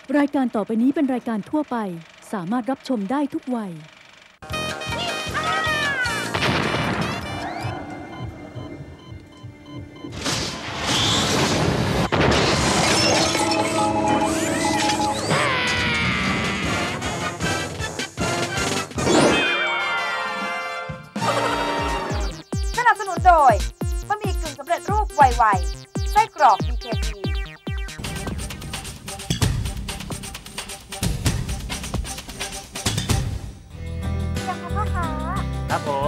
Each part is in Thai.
รายการต่อไปนี้เป็นรายการทั่วไปสามารถรับชมได้ทุกวัยสนับสนุนโดยบะหมี่กึ่งสำเร็จรูปไวๆไส้กรอก BKPยังคะพ่อคะครับผม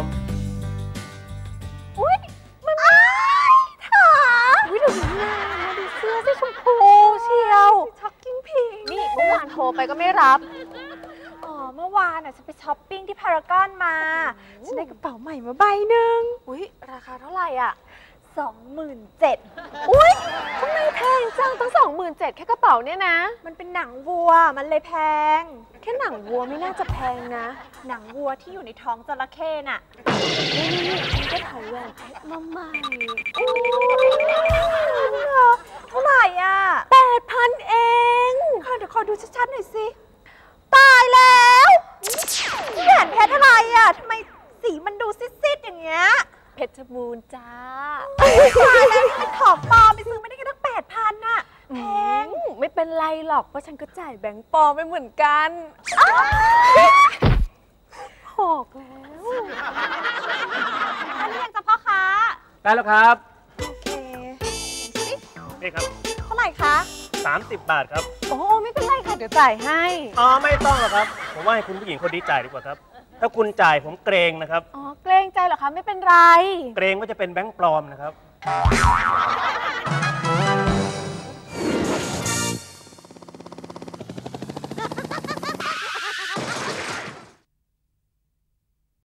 อุ๊ยมันถาอุ๊ยดูหน้าดูเสื้อสีชมพูเชียวช็อกกิ้งพิงนี่เมื่อวานโทรไปก็ไม่รับเมื่อวานฉันไปช้อปปิ้งที่พารากอนมาฉันได้กระเป๋าใหม่มาใบหนึ่งอุ๊ยราคาเท่าไหร่อ่ะ27,000อุ๊ยทำไมแพงจังตั้ง27,000แค่กระเป๋าเนี่ยนะมันเป็นหนังวัวมันเลยแพงแค่หนังวัวไม่น่าจะแพงนะหนังวัวที่อยู่ในท้องจระเข้น่ะนี่ฉันก็ถ่ายแหวนเพชรมาใหม่เท่าไหร่อ่ะ8,000เองเดี๋ยวขอดูชัดๆหน่อยสิตายแล้วแหวนเพชรอะไรอ่ะทำไมสีมันดูซิดๆอย่างเงี้ยเพชรบูรณ์จ้าตายแล้วนี่มันของปลอมไปซื้อไม่ได้แค่ตั้ง8,000น่ะแพงไม่เป็นไรหรอกเพราะฉันก็จ่ายแบงค์ปลอมไปเหมือนกันหอกแล้วอันนี้ยังจะพ่อค้าได้แล้วครับโอเคนี่ครับเท่าไหร่คะ 30 บาทครับโอ้ไม่เป็นไรค่ะเดี๋ยวจ่ายให้ไม่ต้องหรอกครับผมว่าให้คุณผู้หญิงคนนี้จ่ายดีกว่าครับถ้าคุณจ่ายผมเกรงนะครับเกรงใจเหรอคะไม่เป็นไรเกรงว่าจะเป็นแบงค์ปลอมนะครับ